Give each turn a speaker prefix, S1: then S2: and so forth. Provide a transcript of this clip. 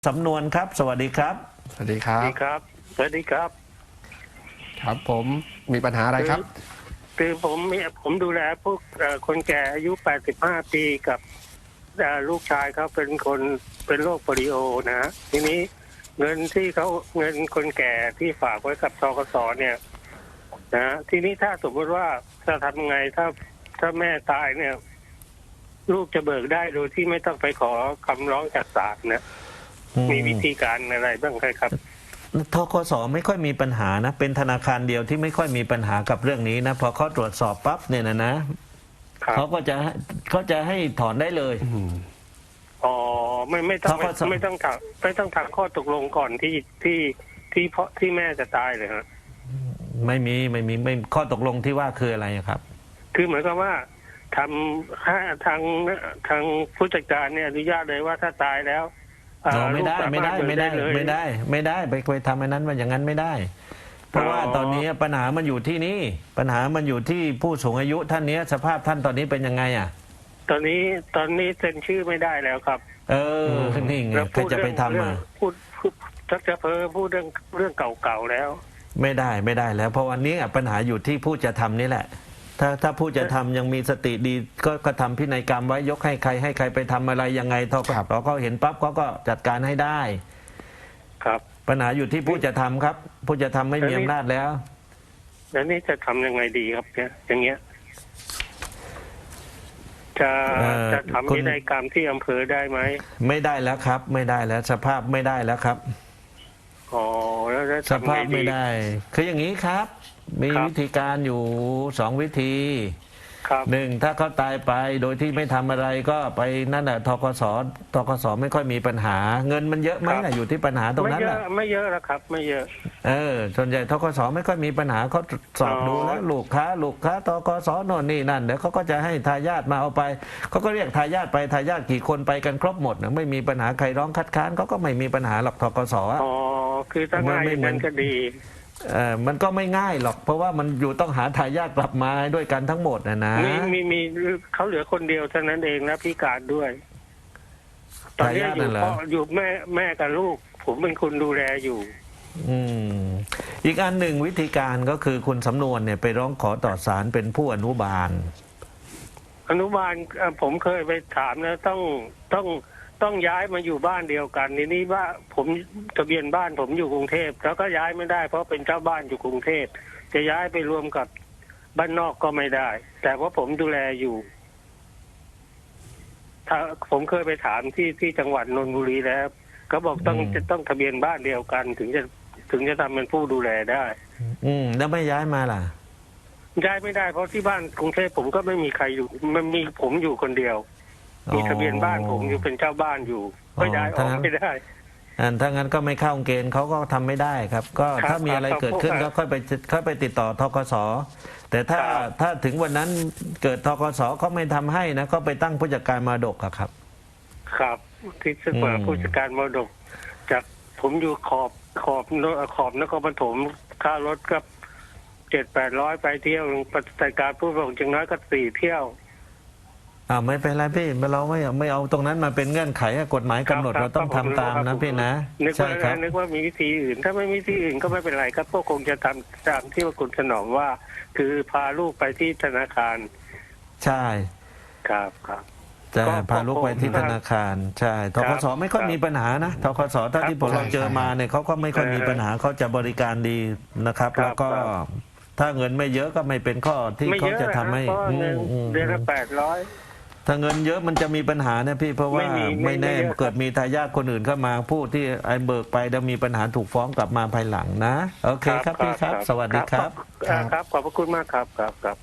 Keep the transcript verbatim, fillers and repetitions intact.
S1: สำนวนครับสวัสดีครับ
S2: สวัสดีครับ
S3: สวัสดีครับสวัสดีครับ
S2: ครับผมมีปัญหาอะไรครับ
S3: คือผมมีผมดูแลพวกคนแก่อายุแปดสิบห้าปีกับลูกชายเขาเป็นคนเป็นโรคโปลิโอนะทีนี้เงินที่เขาเงินคนแก่ที่ฝากไว้กับธกสเนี่ยนะทีนี้ถ้าสมมติว่าจะทำไงถ้าถ้าแม่ตายเนี่ยลูกจะเบิกได้โดยที่ไม่ต้องไปขอคำร้องจากศาลนะมีวิธีการอะไรบ้างครับ
S1: ธกสไม่ค่อยมีปัญหานะเป็นธนาคารเดียวที่ไม่ค่อยมีปัญหากับเรื่องนี้นะพอเขาตรวจสอบปั๊บเนี่ยนะนะเขาก็จะเขาจะให้ถอนได้เลย
S3: อ๋อไม่ไม่ต้องไม่ต้องถามไม่ต้องถามข้อตกลงก่อนที่ที่ที่เพราะที่แม่จะตายเลยฮะ
S1: ไม่มีไม่มีไม่ข้อตกลงที่ว่าคืออะไรครับ
S3: คือเหมือนกับว่าทำถ้าทางทางผู้จัดการเนี่ยอนุญาตเลยว่าถ้าตายแล้ว
S1: ไม่ได้ไม่ได้ไม่ได้ไม่ได้ไม่ได้ไปไปทำอันนั้นมันอย่างนั้นไม่ได้ เพราะว่าตอนนี้ปัญหามันอยู่ที่นี่ปัญหามันอยู่ที่ผู้สูงอายุท่านนี้สภาพท่านตอนนี้เป็นยังไงอ่ะ
S3: ตอนนี้ตอนนี้เซ็นชื่อไม่ได้แล้วครับ
S1: เออนี่ไงใครจะไปทำอ่ะ
S3: พูดทักจะเพ้อพูดเรื่องเรื่องเก่าๆแล้ว
S1: ไม่ได้ไม่ได้แล้วเพราะวันนี้ปัญหาอยู่ที่ผู้จะทำนี่แหละถ้าถ้าผู้จะทำยังมีสติดีก็ก็ทำพินัยกรรมไว้ยกให้ใครให้ใครไปทำอะไรยังไงทกสเขาเห็นปั๊บเขาก็จัดการให้ได้
S3: ครับ
S1: ปัญหาอยู่ที่ผู้จะทำครับผู้จะทำไม่มีอำนาจแล้ว
S3: แล้วนี่จะทำยังไงดีครับเนี่ยอย่างเงี้ยจะจะทำพินัยกรรมที่อำเภอได้ไหม
S1: ไม่ได้แล้วครับไม่ได้แล้วสภาพไม่ได้แล้วครับ
S3: อ๋อแล้วจะ
S1: สภาพไม่ได้คืออย่างนี้ครับมีวิธีการอยู่สองวิธีหนึ่งถ้าเขาตายไปโดยที่ไม่ทำอะไรก็ไปนั่นแหละธกสธกสไม่ค่อยมีปัญหาเงินมันเยอะไหมนะอยู่ที่ปัญหาตรงนั้นแหละ
S3: ไม่เยอะแล้วครับไม่เยอะ
S1: เออส่วนใหญ่ธกสไม่ค่อยมีปัญหาเขาสอบดูแล้วลูกค้าลูกค้าธกสโน่นนี่นั่นเดี๋ยวเขาก็จะให้ทายาทมาเอาไปเขาก็เรียกทายาทไปทายาทกี่คนไปกันครบหมดนะไม่มีปัญหาใครร้องคัดค้านเขาก็ไม่มีปัญหาหรอกธกส
S3: อ๋อคือถ้าง่ายมันก็ดี
S1: เออมันก็ไม่ง่ายหรอกเพราะว่ามันอยู่ต้องหาทายาทกลับมาด้วยกันทั้งหมดนะนะ
S3: มีมีมีเขาเหลือคนเดียวเท่านั้นเองนะพิการด้วยตอนนี้อยู่พ่ออยู่แม่แม่กับลูกผมเป็นคนดูแลอยู่
S1: อืมอีกอันหนึ่งวิธีการก็คือคุณสำนวนเนี่ยไปร้องขอต่อศาลเป็นผู้อนุบาล
S3: อนุบาลผมเคยไปถามนะต้องต้องต้องย้ายมาอยู่บ้านเดียวกันทีนี้ว่าผมทะเบียนบ้านผมอยู่กรุงเทพแล้วก็ย้ายไม่ได้เพราะเป็นเจ้าบ้านอยู่กรุงเทพจะย้ายไปรวมกับบ้านนอกก็ไม่ได้แต่ว่าผมดูแลอยู่ถ้าผมเคยไปถามที่ที่จังหวัดนนทบุรีแล้วเขาบอกต้องจะต้องทะเบียนบ้านเดียวกันถึงจะถึงจะทำเป็นผู้ดูแลได้
S1: อืมแล้วไม่ย้ายมาล่ะ
S3: ย้ายไม่ได้เพราะที่บ้านกรุงเทพผมก็ไม่มีใครอยู่มันมีผมอยู่คนเดียวมีทะเบียนบ้านผมอยู่เป็นเจ้าบ้านอยู่ก็ย้ายออกไม่ได้
S1: อันถ้างั้นก็ไม่เข้าเกณฑ์เขาก็ทำไม่ได้ครับก็ถ้ามีอะไรเกิดขึ้นก็ค่อยไปค่อยไปติดต่อธกสแต่ถ้าถ้าถึงวันนั้นเกิดธกสเขาไม่ทำให้นะก็ไปตั้งผู้จัดการมรดกครับ
S3: ครับที่ซึ่งว่าผู้จัดการมรดกจากผมอยู่ขอบขอบขอบนครปฐมค่ารถก็เจ็ดแปดร้อยไปเที่ยวปฏิบัติการผู้ส่งจังน้อยก็สี่เที่ยว
S1: อ่าไม่เป็นไรพี่เราไม่ไม่เอาตรงนั้นมาเป็นเงื่อนไขกฎหมายกำหนดเราต้องทำตามนะพี่นะ
S3: ใช่ครับนึกว่ามีวิธีอื่นถ้าไม่มีวิธีอื่นก็ไม่เป็นไรครับพวกคงจะทำตามที่ว่าคุณถนอมว่าคือพาลูกไปที่ธนาคาร
S1: ใช่
S3: ครับครับ
S1: จะพาลูกไปที่ธนาคารใช่ธกสไม่ค่อยมีปัญหานะธกสถ้าที่ผมเราเจอมาเนี่ยเขาก็ไม่ค่อยมีปัญหาเขาจะบริการดีนะครับแล้วก็ถ้าเงินไม่เยอะก็ไม่เป็นข้อที่เขาจะทำให้
S3: เดือนละแปดร้อย
S1: ถ้าเงินเยอะมันจะมีปัญหาเนี่ยพี่เพราะว่าไม่แน่เกิดมีทายาทคนอื่นเข้ามาผู้ที่ไอ้เบิกไปแล้วมีปัญหาถูกฟ้องกลับมาภายหลังนะโอเคครับพี่ครับสวัสดีครับ
S3: ครับขอบพระคุณมากครับครับ